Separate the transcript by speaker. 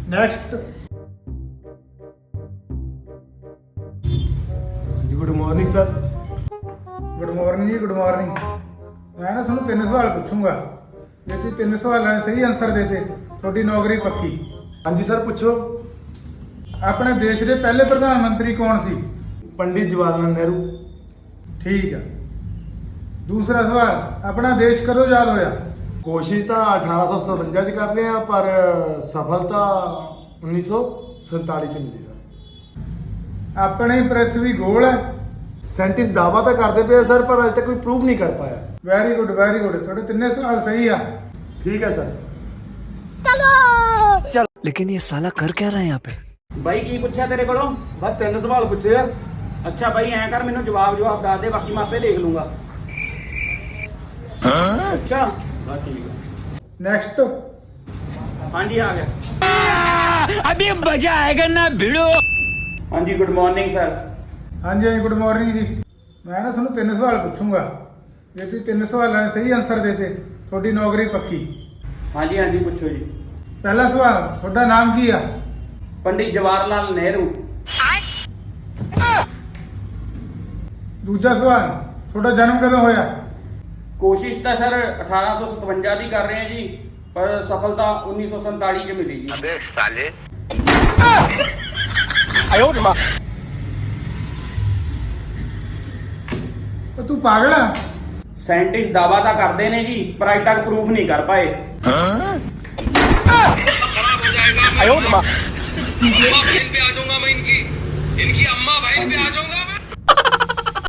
Speaker 1: Next.
Speaker 2: ਜੀ good morning sir.
Speaker 1: Good morning ਜੀ, good morning. ਮੈਂ ਨਾ ਤੁਹਾਨੂੰ 3 ਸਵਾਲ ਪੁੱਛੂੰਗਾ, ਜੇ ਤੁਸੀਂ 3 ਸਵਾਲਾਂ ਦੇ ਸਹੀ ਆਨਸਰ ਦੇਤੇ ਤੁਹਾਡੀ ਨੌਕਰੀ ਪੱਕੀ।
Speaker 2: ਹਾਂਜੀ ਸਰ ਪੁੱਛੋ।
Speaker 1: ਆਪਣੇ ਦੇਸ਼ ਦੇ ਪਹਿਲੇ ਪ੍ਰਧਾਨ ਮੰਤਰੀ ਕੌਣ ਸੀ?
Speaker 2: ਪੰਡਿਤ ਜਵਾਹਰ ਲਾਲ ਨਹਿਰੂ।
Speaker 1: ਠੀਕ ਆ। ਦੂਸਰਾ ਸਵਾਲ, ਆਪਣਾ ਦੇਸ਼ ਕਦੋਂ ਆਜ਼ਾਦ ਹੋਇਆ?
Speaker 2: ਕੋਸ਼ਿਸ਼ ਤਾਂ 1857 ਚ ਕਰਦੇ ਆ, ਪਰ ਸਫਲਤਾ 1947 ਚ ਮਿਲੀ ਸਰ।
Speaker 1: ਆਪਣੀ ਪ੍ਰਿਥਵੀ ਗੋਲ ਹੈ?
Speaker 2: ਸਾਇੰਟਿਸਟ ਦਾਅਵਾ ਤਾਂ ਕਰਦੇ ਪਏ ਸਰ, ਪਰ ਅਜੇ ਤੱਕ ਕੋਈ ਪ੍ਰੂਵ ਨਹੀਂ ਕਰ ਪਾਇਆ।
Speaker 1: Very good, very good. ਤੁਹਾਡੇ 3 ਸਵਾਲ ਸਹੀ ਆ।
Speaker 2: ਠੀਕ ਹੈ ਸਰ।
Speaker 3: लेकिन ये साला कर क्या रहा है यहाँ पे?
Speaker 4: ਬਾਈ ਕੀ ਪੁੱਛਿਆ ਤੇਰੇ ਕੋਲੋਂ?
Speaker 2: ਬਸ 3 ਸਵਾਲ ਪੁੱਛੇ ਆ।
Speaker 4: ਅੱਛਾ ਬਾਈ ਐਂ ਕਰ, ਮੈਨੂੰ ਜਵਾਬ ਦੱਸ ਦੇ, ਬਾਕੀ ਮੈਂ ਆਪੇ ਦੇਖ ਲੂੰਗਾ। ਅੱਛਾ ਬਸ ਠੀਕ ਹੈ।
Speaker 1: ਨੈਕਸਟ।
Speaker 4: ਹਾਂਜੀ ਆ ਗਿਆ।
Speaker 3: अभी मजा आएगा ना भिड़ो।
Speaker 4: ਹਾਂਜੀ ਗੁੱਡ ਮਾਰਨਿੰਗ ਸਰ।
Speaker 1: ਹਾਂਜੀ ਹਾਂਜੀ, ਗੁੱਡ ਮਾਰਨਿੰਗ ਜੀ। ਮੈਂ ਨਾ ਤੁਹਾਨੂੰ 3 ਸਵਾਲ ਪੁੱਛੂੰਗਾ, ਜੇ ਤੁਸੀਂ 3 ਸਵਾਲਾਂ ਦੇ ਸਹੀ ਆਨਸਰ ਦੇਤੇ ਤੁਹਾਡੀ ਨੌਕਰੀ ਪੱਕੀ।
Speaker 4: ਹਾਂਜੀ ਹਾਂਜੀ ਪੁੱਛੋ ਜੀ।
Speaker 1: ਪਹਿਲਾ ਸਵਾਲ, ਤੁਹਾਡਾ ਨਾਮ ਕੀ ਆ?
Speaker 4: ਪੰਡਿਤ ਜਵਾਹਰ ਲਾਲ ਨਹਿਰੂ।
Speaker 1: ਦੂਜਾ ਸਵਾਲ, ਤੁਹਾਡਾ ਜਨਮ ਕਦੋਂ ਹੋਇਆ?
Speaker 4: ਕੋਸ਼ਿਸ਼ ਤਾਂ ਸਰ 1857 ਦੀ ਕਰ ਰਹੇ ਆ ਜੀ, ਪਰ ਸਫਲਤਾ 1947 ਚ ਮਿਲੀ ਜੀ।
Speaker 3: अबे साले।
Speaker 1: ਉਹ ਤੂੰ ਪਾਗਲ ਆ?
Speaker 4: ਸਾਇੰਟਿਸਟ ਦਾਅਵਾ ਤਾਂ ਕਰਦੇ ਨੇ ਜੀ, ਪਰ ਅਜੇ ਤੱਕ ਪ੍ਰੂਫ ਨਹੀਂ ਕਰ ਪਾਏ।
Speaker 5: अम्मा बहन पे आ जाऊंगा मैं, इनकी अम्मा बहन पे आ जाऊंगा।